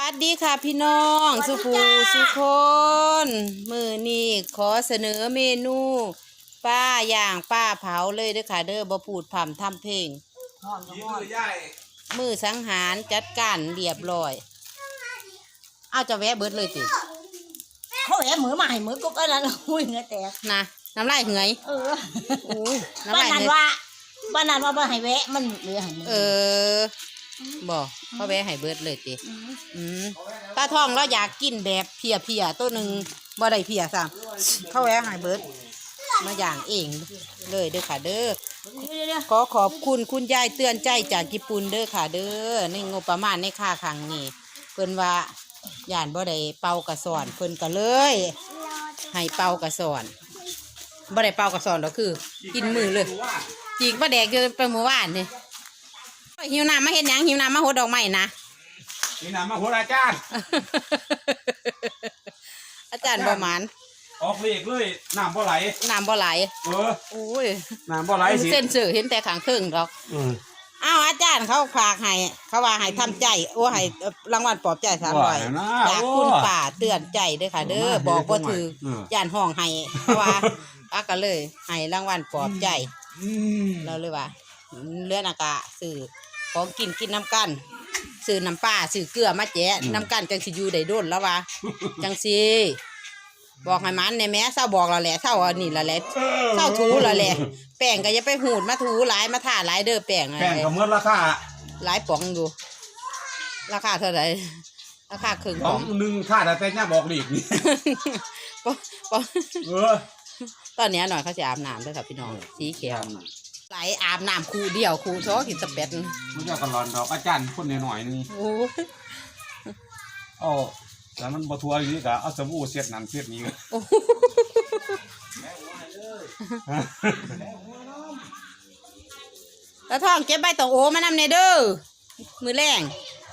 วัสดีค่ะพี่น้องสุภูสุคนมือนี้ขอเสนอเมนูป้าย่างป้าเผาเลยเด้อค่ะเด้อบ่พูดผ่ำทำเพลงมือสังหารจัดการเรียบร้อยเอาจะแวะเบิดเลยติเขาแอบมือมาให้มือกุ๊กอะไรล่ะหุ้ยเงือแตกนะน้ำลายเหงยโอ้ยน้ำลายเหงยบ้านนั้นว่าให้แวะมันเหลือให้มือบอกเขาแวะให้เบิดเลยติตาทองเราอยากกินแบบเพียตัวหนึ่งบ่ได้เพียซ้ำเขาแวะให้เบิดมาอย่างเองเลยเด้อค่ะเด้อขอขอบคุณคุณยายเตือนใจจากญี่ปุ่นเด้อค่ะเด้อในงบประมาณในค่าครั้งนี้เพิ่นว่าย่านบ่ได้เป่ากระสอนเพิ่นก็เลยให้เป่ากระสอนบ่ได้เป่ากระสอนดอกคือกินมือเลยจีกปลาแดกอยู่ไปเมื่อวานนี่หิวน้ำมาเห็นยังหิวน้ำมาโหดดอกไม้นะหิวน้ำมาโหดอาจารย์อาจารย์ประมาณออกเลขเลยน้ำบ่ไหลน้ำบ่ไหลโอ้ยน้ำบ่ไหลสิเส้นเสือเห็นแต่ขางครึ่งดอกอ้าวอาจารย์เขาฝากให้เขาว่าให้ทำใจให้รางวัลปลอบใจ300จากคุณป่าเตือนใจเด้อค่ะเด้อบอกว่าถือย่านห้องให้เพราะว่าก็เลยให้รางวัลปลอบใจเราเลยว่าเลื่อนอากาศสื่อของกินน้ำกันสื่อน้ำปลาสื่อเกลือมาแจ๊น้ำกันจังสิอยู่ได้โดนแล้ววะจังสิบอกให้มันในแม่เศร้าบอกเราแหละเศร้าอันนี้เราแหละเศร้าถูเราแหละแป้งก็อย่าไปหูดมาถูหลายมาท่าหลายเด้อแป้งก็เมื่อราคาหลายป๋องดูราคาเท่าไหร่ราคาครึ่งป๋องหนึ่งค่าแต่เนี่ยบอกหลีกนี่ตอนนี้หน่อยเขาจะอาบน้ำด้วยค่ะพี่น้องสีเขียวไหลอาบน้ำคูเดียวคูซ้อกินสเปดมันจะกันร้อนดอกอาจารย์คนหน่อยนึงโอ้แล้วมันบทัวอยู่นี่กะเอาสบู่เสียดนั่นเสียดนี้แล้วท้องเก็บใบตองโอ้มานำเนเด้อมือแรง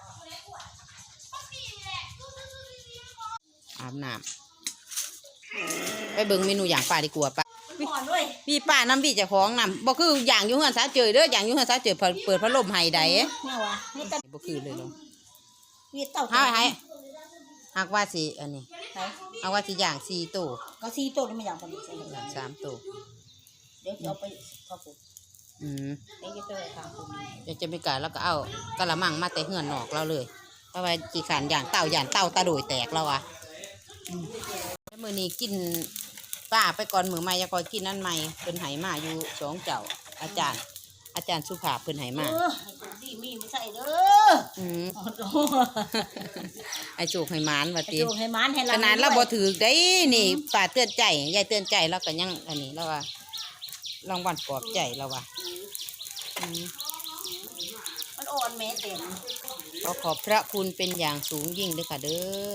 อาบน้ำไปเบิ่งเมนูอย่างป่าดีกว่าป่าพี่ป้าน้ำพี่จะคล้องน้ำบ่คืออย่างยุ่งเงินซาเจอเด้ออย่างยุ่งเงินซาเจอเปิดพัดลมให้ได้บ่คือเลยเนาะให้หากว่าสิอันนี้หากว่าสิอย่าง4ตัวก็4ตัวนี่ไม่อย่างพอดีอย่าง3ตัวเดี๋ยวเอาไปเข้าปุ๋ยเดี๋ยวจะไปทางปุ๋ยเดี๋ยวจะไปกะแล้วก็เอากะละมังมาแต่เหือนนอกเราเลยเพราะว่าจีขันอย่างเต่าตาโดยแตกแล้วอ่ะมื้อนี้กินป้าไปก่อนมือใหม่ยังก่อนกินนั่นใหม่เพิ่นไหมาอยู่2เจ้าอาจารย์สุภาพเพิ่นไหมาดีมีไม่ใส่เด้อไอโจกให้มานว่าติโจกให้มานให้ขนาดเราบ่ถือได้นี่ป้าเตือนใจยายเตือนใจแล้วก็ยังอันนี้แล้วว่ารางวัลปลอบใจแล้วว่ามันอ่อนแม่เต็มขอบพระคุณเป็นอย่างสูงยิ่งเลยค่ะเด้อ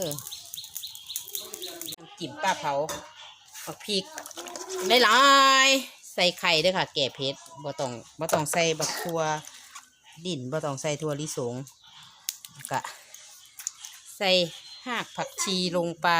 น้ำจิ้มป้าเผาผักพริกได้หลายใส่ไข่ด้วยค่ะแก่เผ็ดบ่ต้องใส่บักทั่วดินบ่ต้องใส่ทั่วลิสงกะใส่หากผักชีลงไป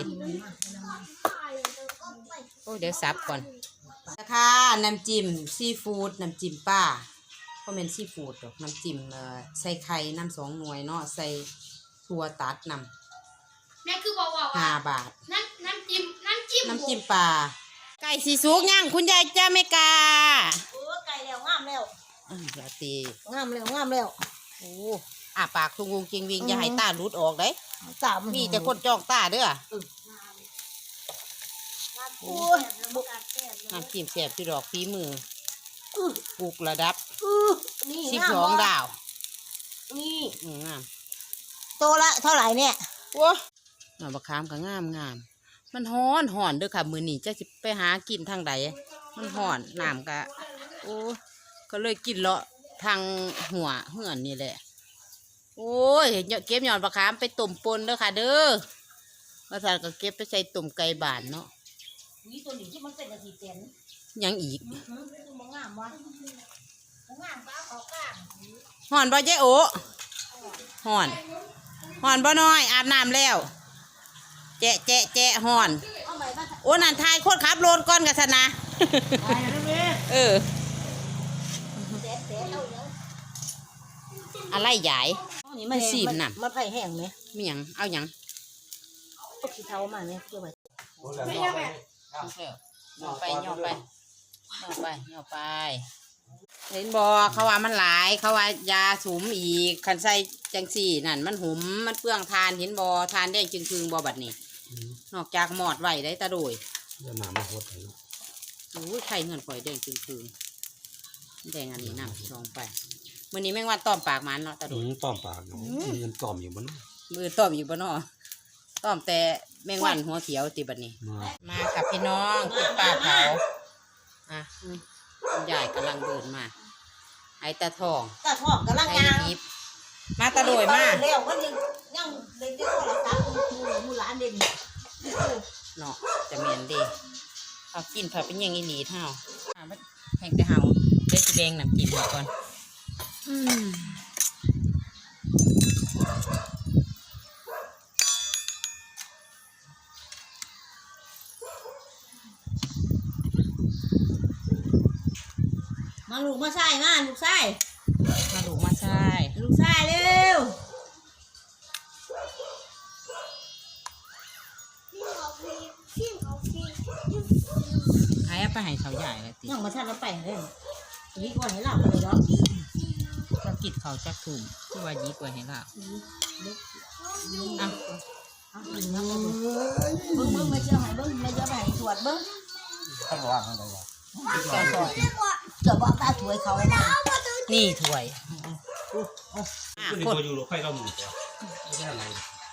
โอ้เดี๋ยวซับก่อนนะคะน้ำจิ้มซีฟู้ดน้ำจิ้มป้าก็เป็นซีฟู้ดหรอกน้ำจิ้มใส่ไข่น้ำ2 หน่วยเนาะใส่ถั่วตัดน้ำแม่คือบอกว่า 5 บาทน้ำจิ้มปลาไก่สีสุกย่างคุณยายจ้าไม่กาไก่แล้วงามแล้วอย่าตีงามแล้วโอ้ปากทุงวงจริงวิงอย่าให้ตาหลุดออกเลยตามีแต่คนจ้องตาเด้อน้ำจิ้มแซ่บที่ดอกฝีมือปลูกระดับ12 ดาวนี่งามโตละเท่าไหร่เนี่ยโอ้หน่อมะขามก็งามมันฮ้อนเด้อค่ะมื้อนี้จะสิไปหากินทางใดมันฮ้อนน้ำก็โอ้ก็เลยกินเลาะทางหัวเหือนนี่แหละโอ้ยเก็บหยอดมะขามไปต้มปนเด้อค่ะเด้อมาทานก็เก็บไปใส่ต้มไก่บ้านเนาะนี่ตัวนี้ที่มันเป็นอาทิตย์เต็มยังอีกงามวะงามป้าขอกลางฮ้อนบ่เจ๊โอฮ้อนบ่น้อยอาบน้ำแล้วแจะฮ้อนโอ้นั่นทายโคตรขับรถก่อนกันสนะอะไรใหญ่นี่มันซีมน่ะมันไผ่แห้งไหมมีหยังเอาหยังก็ขี้เท้ามาเนี่ยเพื่อไปไม่ใช่แม่ย่อไปเห็นบ่เขาว่ามันหลายเขาว่ายาสูมอีกคันใส่จังซี่นั่นมันหุมมันเปลืองทานเห็นบ่ทานได้จึงคืงบ่บัดนี้นอกจากหมอดไว้ได้ตะโดยเดี๋ยวน้ำมาหดให้โอ้ยไข่เงินข่อยแดงจึงคืงแดงอันนี้น้ำลองไปมื้อนี้แม่งว่าต้อมปากมันเนาะตะโดยต้อมปากเนาะมันต้อมอยู่บนมือต้อมอยู่บ่เนาะต้อมแต่แมงวันหัวเขียวติบัดนี้ มาค่ะพี่น้องคุณป้าเผาอ่ะคุณยายกำลังเดินมาไอ้ตาทองตาทองกำลังไอ้ยางยิบมาตะโดยมาเร็วมันยังเลยจะโทรศัพท์มูหลานเด่นเนาะจะเมียนเดีเอากินผัดเป็นอย่างอีหลีเท่าแห้งแต่เฮาเด็ดแดงน้ำจิ้มก่อนมาลูกมาใส่มาลูกใส่มาดูมาใช่ลูกใส่เร็วไอ้เอาไปให้เขาใหญ่เลยติยังมาทันแล้วไปเลยนี่ก่อนให้หลับเลยเนาะก็กิดเขาจักถุ่มที่ว่ายีกว่าให้เราอ่ะเบิ้งมาเจ้าให้เบิ้งมาเจ้าให้ตรวจเบิ้งท่านว่าทางใดวะก่อนก่อนเจ้าบอกตาถวยเขาไว้มานี่ถ้วยอ่ะนี่กดตัวอยู่หรอใครเราหมู่ตัวไม่ใช่อะไร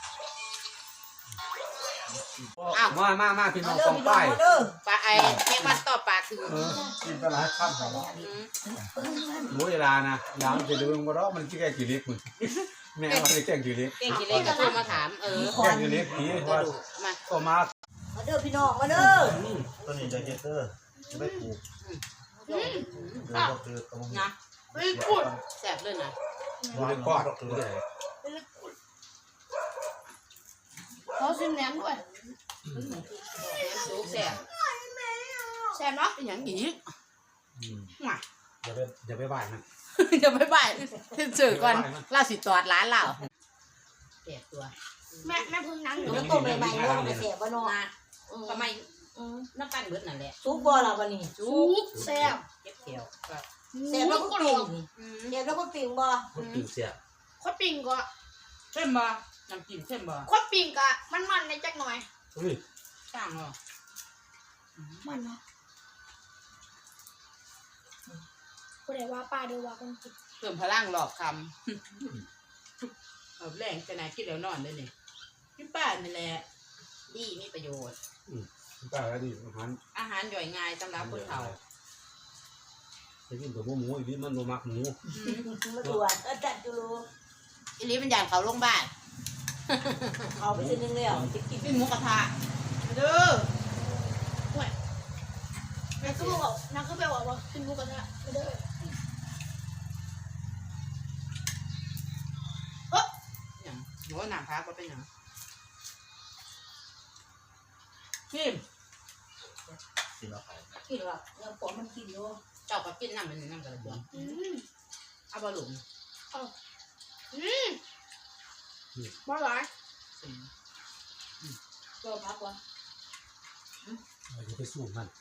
อ้าวมาพี่น้องเด้อต้องพี่ไปน้องเด้อปลาไอ้แม่มันต่อปลาคือกินปลาไหลข้ามเขาหมูเวลานะยามจะลืมก็ได้มันที่แกกี่เล็กมึงแม่ว่าได้แกกี่เล็กเก่งกี่เล็กก็โทรมาถามแกกี่เล็กผีว่ามาก็มามาเด้อพี่น้องมาเด้อตัวนี้จะเก็ตเตอร์ไม่ปลูกเดี๋ยวก็คือตรงนะเฮ้ยกุดแซ่บเลยนะดูในก้อนดูเลยเขาซิมแหนมด้วยสูงแซ่บแซ่บเนาะเป็นอย่างนี้อย่าไปบ่ายนะจะไม่บ่ายเจอก่อนล่าสิตอดร้านเราแก่ตัวแม่พึ่งนั่งอยู่แล้วต้มใหม่ๆลงไปเสียบ่เนาะนะทำไมน้ำตาลเบิดนั่นแหละซุปบ่ล่ะวันนี้ซุปแซ่บเก็บเกี่ยวก็เสียแล้วก็ปิ่งนี่เสียแล้วก็ปิ่งบ่คนกินเสียข้าวปิ้งก็เข้มบ่น้ำจิ้มเข้มบ่ข้าวปิ้งก็มันในจักหน่อยช่างเหรอมันเนาะกูได้ว่าป้าดูว่าคนกินเพิ่มพลังหลอกคำแรงจะไหนคิดแล้วนอนเลยนี่พี่ป้านี่แหละดีมีประโยชน์ป้าแล้วดิอาหารอาหารย่อยง่ายสำหรับคนเฒ่าจะกินกับหมูอีกนิดมันโนมักหมูมาตรวจจัดจุลูอีลีเป็นอย่างเขาโรงพยาบาลเอาไปซื้อนึงแล้วจะกินกินหมูกระทะเด้อนักก็บอกนักก็ไปบอกว่ากินหมูกระทะไม่ได้อย่างหนูหนามพักก็เป็นอย่างกินสิเราขายกินว่ายังปอมันกินอยู่เจ้าก็กินน้ำมันน้ำกระเบื้องเอาบะหลุมบ้าหลายก็พักว่าอย่าไปสู้มัน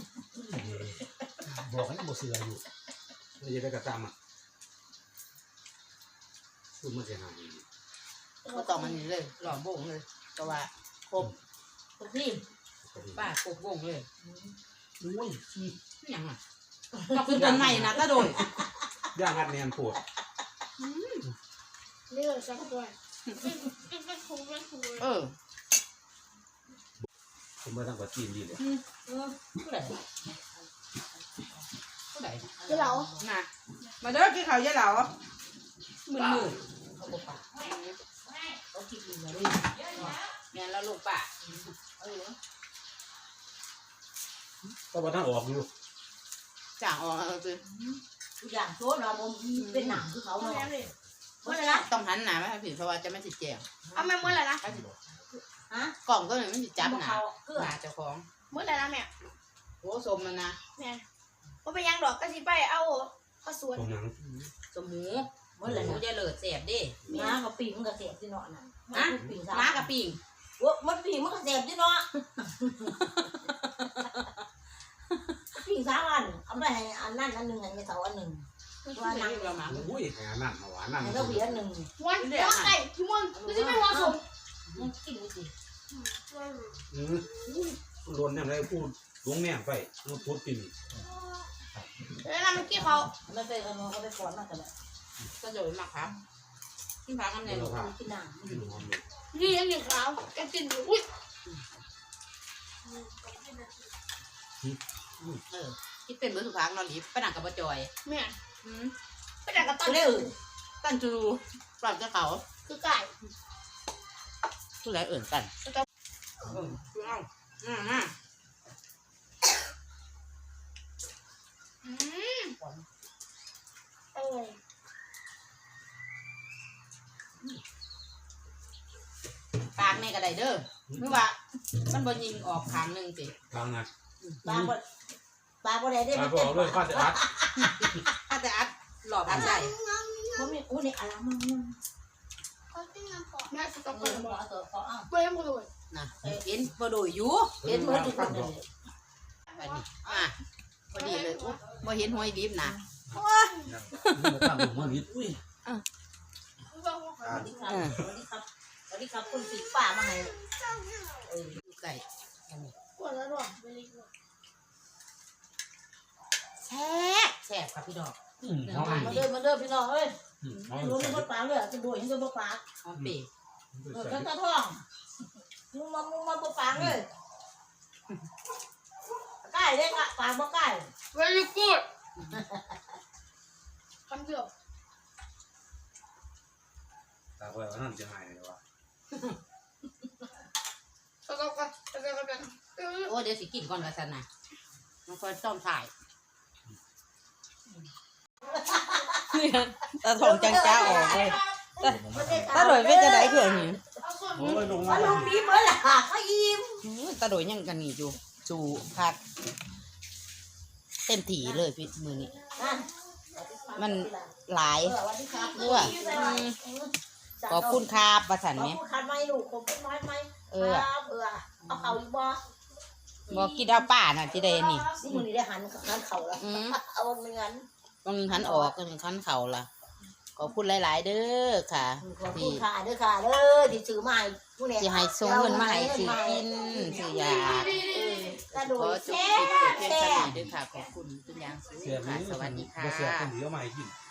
บอกให้บ่เสืออยู่อย่าไปกระตำอ่ะสู้มันจะหายก็ต้องมันนี่เลยหล่อมวงเลยก็ว่าครบก็กินป้าครบวงเลยโอ้ยอย่างอ่ะก็คือต้นไม้นะก็โดยย่างอัดแนนปวดนี่เลยสักตัวเป็นคงเป็นคงเลยผมมาทำกับจีนดีเลยผู้ใดผู้ใดเดี๋ยวเราน่ะมาเด้อกินข้าวยายเหลามือเขาบอกป่ะเขากินอยู่เลยแม่แล้วลูกป่ะก็มาทั้งออกอยู่จ่างออกคือทุกอย่างโซนเราบ่เป็นหนังคือเขาเอาเนาะแม่เลยเมื่อไรนะต้องหันหนาไหมผิดเพราะว่าจะไม่ติดแจงเอาแม่เมื่อไรนะฮะกล่องก็เลยไม่ติดจับหนาเขาเกลือหนาเจ้าของเมื่อไรนะแม่โอ้สมมันนะแม่ว่าไปยังดอกก็สิไปเอาข้าวสวนตรงนั้นสมหมูมมันแหละหมูจะเลิศแสบดิม้ากับปีมันก็เสียบที่เนาะน่ะฮะปีม้ากับปิ่งมันปีมันก็เสียบที่เนาะปีสามอันเอาไปให้อันนั้นอันหนึ่งให้ไม่เท่าอันหนึ่งว่านั่งเรามาอุ้ยแหนั่นหวานนั่นให้เราเบียร์หนึ่งวันไก่ที่มันไม่ใช่ไม่เหมาะสมมันกินไม่ดีรวนเนี่ยอะไรพูดลงแม่ไปมันพูดปิ่นแล้วนั่นเมื่อกี้เขาไม่ไปเอาเขาไปฟ้อนมากันเลยก็โดนมาครับกินผักกันเลยลูกกินน้ำกินหอมเลยนี่ยังกินขาวแกกินอยู่อุ้ยคิดเป็นเบอร์สุภาพนอนลิฟไปนั่งกับป้าจอยแม่ไปแต่กับตันเร็วตั้งจูปรับจะเขาคือไก่ทุไรเอื่นกันเออปากในกระไดเด้อเมื่อว่ามันบอยิงออกขางหนึ่งสิกลางนะปลาบ่ได้ได้ไปมันบเต็อมกเลยข้าจะอัดถ้าจะอัดหลอดอัดใส่มันมีอู้นี่อะไรมึงเขาติ้งน้ำปอแม่สต๊อกเอเกออร์บ่บอกเอาตัวเขาเอาเว้ยมึงเลยนะเห็นพอดูอยู่เห็นเหมือนทุกคนเลยแบบนี้พอดีเลยพอเห็นหอยดิบนะตั้งหัวนิดอุ้ยสวัสดีครับสวัสดีครับสวัสดีครับคุณสีป่ามาให้เออดูไก่ปวดแล้วด้วยไม่รีบแซ่บแซ่บครับพี่ดอกหอมมาเด้อพี่น้องเอ้ยหอมรู้มันปลาเลยจะดูเห็นจะปลาหอมเปรี้ยวข้าวท้องมึงมาปลาเลยใกล้เลยปลาบ่ใกล้เวลี่กูดคำเดียวตาไว้ว่านั่นจะหายเลยวะสต๊อกเกอร์สต๊อกเกอร์โอ้เดี๋ยวสิกินก่อนละสันนะมันคอยต้อมถ่ายตาถงจังจ้าออกเลยตาโดยเป็นจะได้เถื่อนนี่โอ้ยลงมามาลงนี้เมื่อไหร่เขายิ้มตาโดยยังกันนี่อยู่จูพักเต็มถี่เลยพี่มือนี้ มันหลายสวัสดีครับขอบคุณครับประสันขไหมอบคุณคันไหมลูกขอบคุณน้อยไหมเอาเขาอีกบ่บอกกินเอาป้าน่ะที่ใดนี่สิมือนี้ได้หันเข่าแล้วเอาเงินบางคันออกก็คันเข่าล่ะขอบคุณหลายๆเด้อค่ะขอบคุณค่ะเด้อค่ะเด้อที่ซื้อมาให้ผู้เนี่ยที่ให้ส่งเงินมาให้ซื้อกินซื้อยากระโดขอดจบแซ่คลิปเพียงแซ่เท่านี้ด้วยค่ะขอบคุณทุกอย่างสูงเสียค่ะสวัสดีค่ะเสียคนเดียวมาให้กิน